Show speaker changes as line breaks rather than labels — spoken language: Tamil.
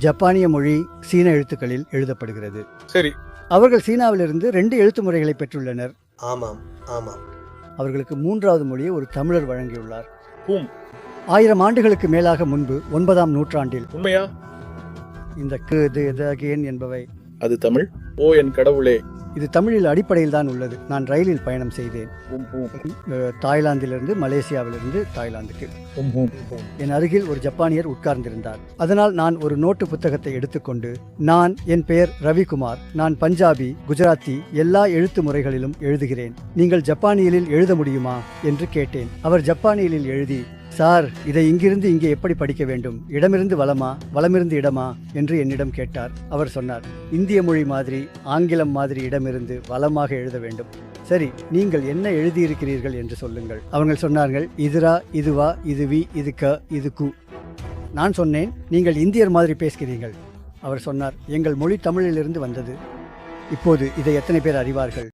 ஜப்பானிய மொழி சீன எழுத்துக்களில் எழுதப்படுகிறது.
சரி.
அவர்கள் சீனாவிலிருந்து 2 எழுத்து முறைகளை பெற்றுள்ளனர்.
ஆமாம் ஆமாம்.
அவர்களுக்கு 3வது மொழியை ஒரு தமிழர் வழங்கியுள்ளார். 1000 ஆண்டுகளுக்கு மேலாக முன்பு 9ஆம் நூற்றாண்டில்.
உண்மையா?
இந்த என்பவை
அது தமிழ். ஓ என் கடவுளே.
இது தமிழில் அடிப்படையில் தான் உள்ளது. நான் ரயிலில் பயணம் செய்தேன். தாய்லாந்திலிருந்து மலேசியாவிலிருந்து தாய்லாந்துக்கு. என் அருகில் ஒரு ஜப்பானியர் உட்கார்ந்திருந்தார். அதனால் நான் ஒரு நோட்டு புத்தகத்தை எடுத்துக்கொண்டு, என் பெயர் ரவிக்குமார், நான் பஞ்சாபி, குஜராத்தி எல்லா எழுத்து முறைகளிலும் எழுதுகிறேன். நீங்கள் ஜப்பானியலில் எழுத முடியுமா என்று கேட்டேன். அவர் ஜப்பானியலில் எழுதி, சார், இதை இங்கிருந்து இங்கே எப்படி படிக்க வேண்டும், இடமிருந்து வலமா வலமிருந்து இடமா என்று என்னிடம் கேட்டார். அவர் சொன்னார், இந்திய மொழி மாதிரி ஆங்கிலம் மாதிரி இடமிருந்து வலமாக எழுத வேண்டும். சரி, நீங்கள் என்ன எழுதியிருக்கிறீர்கள் என்று சொல்லுங்கள். அவர்கள் சொன்னார்கள், இதுரா, இதுவா, இது வி, இது க, இது கு. நான் சொன்னேன், நீங்கள் இந்தியர் மாதிரி பேசுகிறீர்கள். அவர் சொன்னார், எங்கள் மொழி தமிழிலிருந்து வந்தது. இப்போது இதை எத்தனை பேர் அறிவார்கள்?